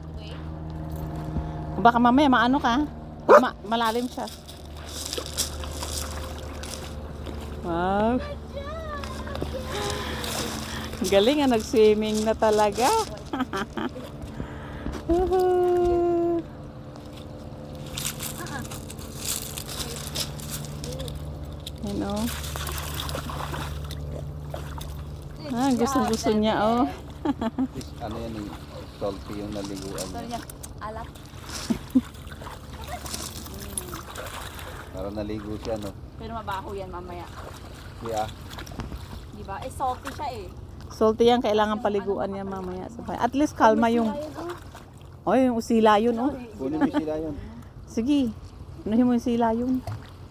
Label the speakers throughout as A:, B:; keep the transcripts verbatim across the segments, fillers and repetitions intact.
A: Baka mamaya maano ka. Ma malalim siya. Wow. Galing nga, nag-swimming na talaga. Yan o. Ah, gusto-gusto niya oh.
B: Ano yan eh, salty yung naliguan niya.
C: Alat.
B: Parang naligo siya, no?
C: Pero mabaho yan mamaya.
B: Yeah.
C: Di ba? Eh, salty siya eh.
A: Salty yan, kailangan paliguan niya mamaya. At least kalma yung... Oh, yung usila yun oh.
B: Kunin mo sila yun.
A: Sige, anuhin mo yung sila yun.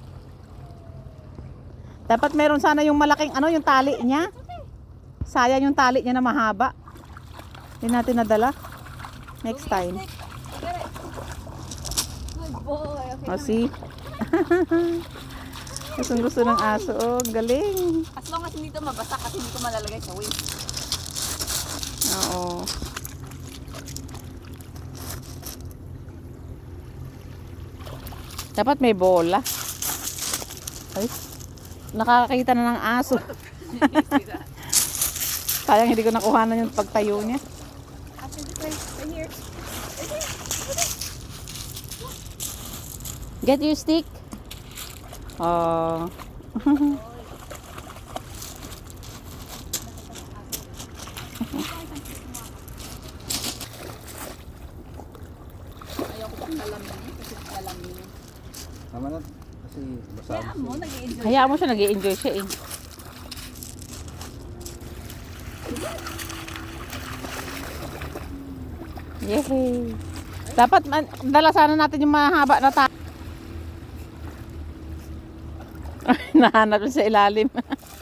A: Dapat meron sana yung malaking ano, yung tali niya. Sayang yung tali niya na mahaba. Hindi natin nadala. Next time.
C: Good boy. Okay.
A: O, see? Gustong gusto ng aso. Oh, galing.
C: As long as hindi ito mabasa kasi hindi ko malalagay sa waste.
A: Oo. Dapat may bola. Ay, nakakakita na ng aso. Sayang hindi ko nakuhanan yung pagtayo niya. Get your stick. Oh.
C: Ayoko pang lalamin kasi lalamin.
B: Tama na. Kasi basa.
C: Kaya mo, nag-i-enjoy.
A: Hayaan mo siya, nag-i-enjoy siya eh. Yehey. Dapat man, dala sana natin yung mahaba na ta. Nahanap sa ilalim.